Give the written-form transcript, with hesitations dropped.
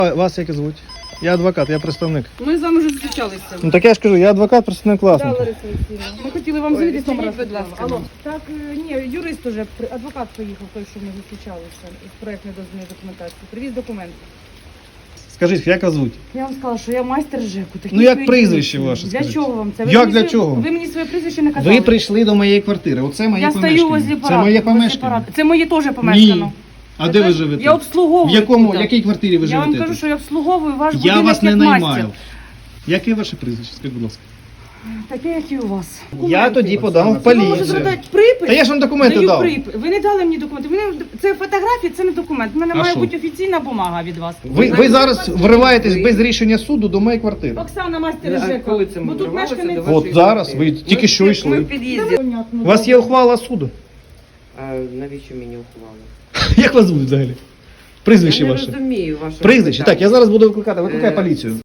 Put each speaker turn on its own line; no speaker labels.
Вас як звуть? Я адвокат, я представник.
Ми з вами вже зустрічалися.
Ну так я ж кажу, я адвокат, представник
Да,
власника.
Лариса Олексіївна. Ми хотіли вам завітати номер.
будь ласка.
Алло. Так, ні, юрист уже, адвокат поїхав, той, що ми зустрічалися з проєктної дозвільної документації. Привіз документи.
Скажіть, як вас звуть?
Я вам сказала, що я майстер ЖЕКу.
Ну, як прізвище ваше,
Для
скажіть?
чого вам це?
Як
мені
для
своє-
чого?
Ви мені своє прізвище не казали.
Ви прийшли до моєї квартири, оце моє
Я
помешкання.
стою возле парадного.
Це моє
возле
помешкання?
парадного. Це моє теж помешкано.
Ні. А де ви живете?
Я обслуговую.
В якому,
тут.
якій квартирі ви
Я
живете?
вам кажу,
тут?
що я обслуговую ваш
Я
будинок
вас не
як
наймаю.
мастер.
Яке ваше прізвище? Скажіть, будь ласка.
Таке, як і у вас.
Я
Документи.
тоді подам в
Ви можете
поліцію.
зробити припис?
Та я ж вам документи
Даю
дав.
припис. Ви не дали мені документи. Це фотографія, це не документ. У мене
А
має
що?
бути офіційна бумага від вас.
Ви зараз вриваєтесь без рішення суду до моєї квартири.
Оксана, мастер
А
ЖЕКу.
коли це ми
Бо тут
вривалися
мешканець.
до
От зараз, ви тільки що
Ми
йшли.
в під'їзді.
У вас є ухвала суду.
А навіщо мені ухвали?
Як вас звуть взагалі? Прізвище
Я не
ваше.
розумію ваше
Прізвище.
питання.
Так, я зараз буду викликати. Викликай
Е,
поліцію.